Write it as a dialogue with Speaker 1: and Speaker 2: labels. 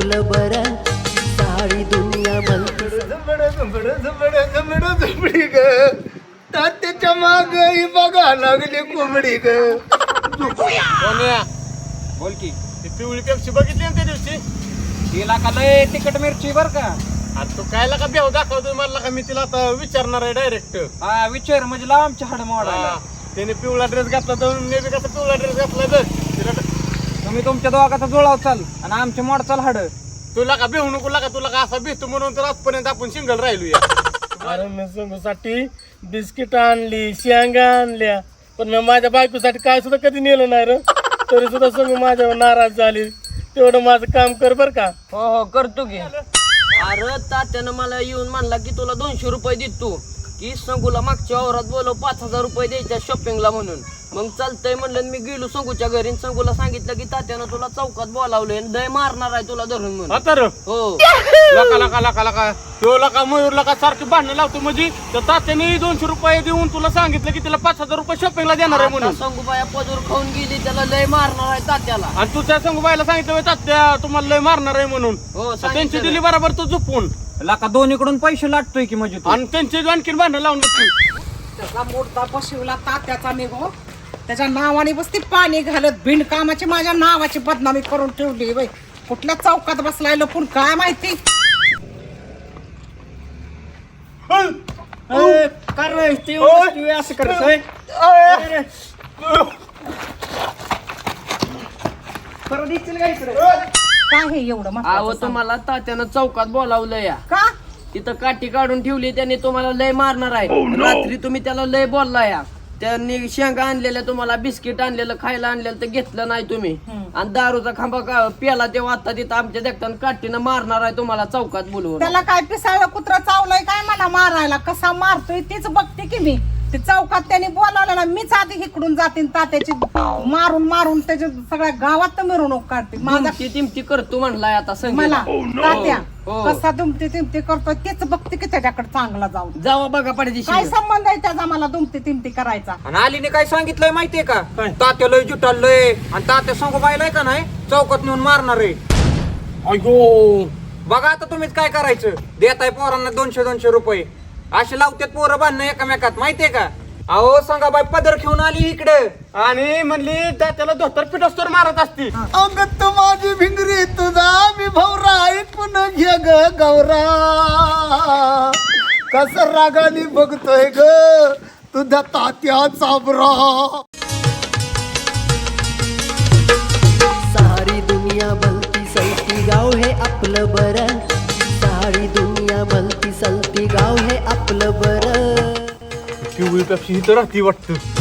Speaker 1: आपलं बरं. सारी दुनिया म्हणती
Speaker 2: झुंबडी ग तात्याच्या माग बघा लागली कोंबडी ग.
Speaker 3: बोल की
Speaker 2: ती पिवळी पेप्सी बघितली ना त्या दिवशी.
Speaker 3: तिला का लय तिखट मिरची बर का.
Speaker 2: आणि तू कायला का बेव दाखवतोय मला का मी तिला आता विचारणार आहे डायरेक्ट.
Speaker 3: हा विचार म्हणजे लाव आमच्या हाड मोडायला.
Speaker 2: त्याने पिवळा ड्रेस घातला तर मी बी कसा पिवळा ड्रेस घातला बघ तिला.
Speaker 3: तुम्ही तुमच्या दोघाचा जुळाव चाल आणि आमच्या मोड चाल हाड.
Speaker 2: तुला का बेहू नको लागा तुला का असा भेटतो म्हणून तर आजपर्यंत आपण सिंगल राहिलो या. अरे मी संगूसाठी बिस्किट आणली शेंगा आणल्या पण मी माझ्या बायकोसाठी काय सुद्धा कधी नेलं नाही रे. तरी सुद्धा संग माझ्यावर नाराज झाली. तेवढं माझं काम कर बर का.
Speaker 4: हो हो करतो की. अरे तात्यानं मला येऊन म्हणला की तुला 200 रुपये देतो की संगूला मागच्या वावरात बोलव 5000 रुपये द्यायच्या शॉपिंगला म्हणून. मग चालतंय म्हणलं मी गेलो संगूच्या घरी. संगूला सांगितलं की तात्यानं तुला चौकात बोलावलंय दय मारणार आहे तुला धरून म्हणून.
Speaker 2: आता रे
Speaker 4: हो
Speaker 2: लका लका लका लका तो लका मयूर लका सारखी भांडणं लावतो म्हणजे तर तात्याने 200 रुपये देऊन तुला सांगितलं की तिला 5000 रुपये शॉपिंगला देणार आहे म्हणून.
Speaker 4: संगूबाया पदूर खाऊन गेली त्याला लय मारणार आहे तात्याला.
Speaker 2: आणि तू त्या संगूबाईला सांगितलं "होय तात्या तुम्हाला लय मारणार आहे म्हणून.
Speaker 4: हो
Speaker 2: त्यांची दिली बरोबर तू झोपून
Speaker 3: लाका दोन्हीकडून पैसे लाटतोय की म्हणजे तू.
Speaker 2: आणि त्यांची आणखीन भांडणं लावून बसली.
Speaker 5: त्याचा मोठा बसवला तात्याचा निघो. त्याच्या नावाने बसती पाणी घालत बिनकामाची माझ्या नावाची बदनामी करून ठेवली बाई. कुठल्या चौकात बसलाय लपून काय माहिती.
Speaker 3: असं करतोय
Speaker 5: काय हे एवढं
Speaker 4: अहो
Speaker 5: महत्वाचं सांग.
Speaker 4: तुम्हाला तात्यानं चौकात बोलावलं या.
Speaker 5: का
Speaker 4: तिथं काठी काढून ठेवली त्याने तुम्हाला लय मारणार आहे. रात्री तुम्ही त्याला लय बोलला या. त्यांनी शेंगा आणलेल्या तुम्हाला बिस्किट आणलेलं खायला आणलेलं तर घेतलं नाही तुम्ही. आणि दारूचा खांबा प्याला तेव्हा आता तिथं आमच्या देखताना काठीनं मारणार आहे तुम्हाला चौकात बोलवून.
Speaker 5: त्याला काय पिसाळलं कुत्रा चावलंय काय मला मारायला. कसा मारतोय तीच बघते की मी. ते चौकात त्याने बोलावलं ना मीच आधी इकडून जाते तात्याची मारून मारून त्याच्या सगळ्या गावात तर मिरवणूक काढते. माझा
Speaker 4: तिमती करतो म्हणलाय आता
Speaker 5: मला
Speaker 4: संगीला.
Speaker 5: तात्या
Speaker 4: हो.
Speaker 5: कसा दुमते तिमते करतोय तेच बघते की त्याच्याकडे चांगला जाऊन.
Speaker 4: जावा बघा पडदी
Speaker 5: काय संबंध आहे त्याचा मला दुमते तिमते करायचा.
Speaker 3: आणि आलीने काय सांगितलंय माहितीये का. तात्या लय जुटालय आणि तात्या सांगू बायलाय का नाही चौकात नेऊन मारणार आहे.
Speaker 2: अयो
Speaker 3: बघा आता तुम्हीच काय करायचं. देताय पोरांना 200 रुपये असे लावतात पोरं बांधणं एकमेकात माहितीये का. अहो सांगा बाई पदर घेऊन आली इकडे
Speaker 2: आणि म्हणली त्याला धोतर पिठोस्तर मारत असती. अंगत माझी भिंगरी तुझा मी भवरा ऐकून घे ग गौरा. कस रागाने बघतोय ग तुझ्या तात्या चाबरा.
Speaker 1: सारी दुनिया भलती सलती गाव हे आपलं बरं. सारी दुनिया भलती सलती गाव हे आपलं बरं.
Speaker 2: पिवळी पेप्सी ही तर राहती वाटतं.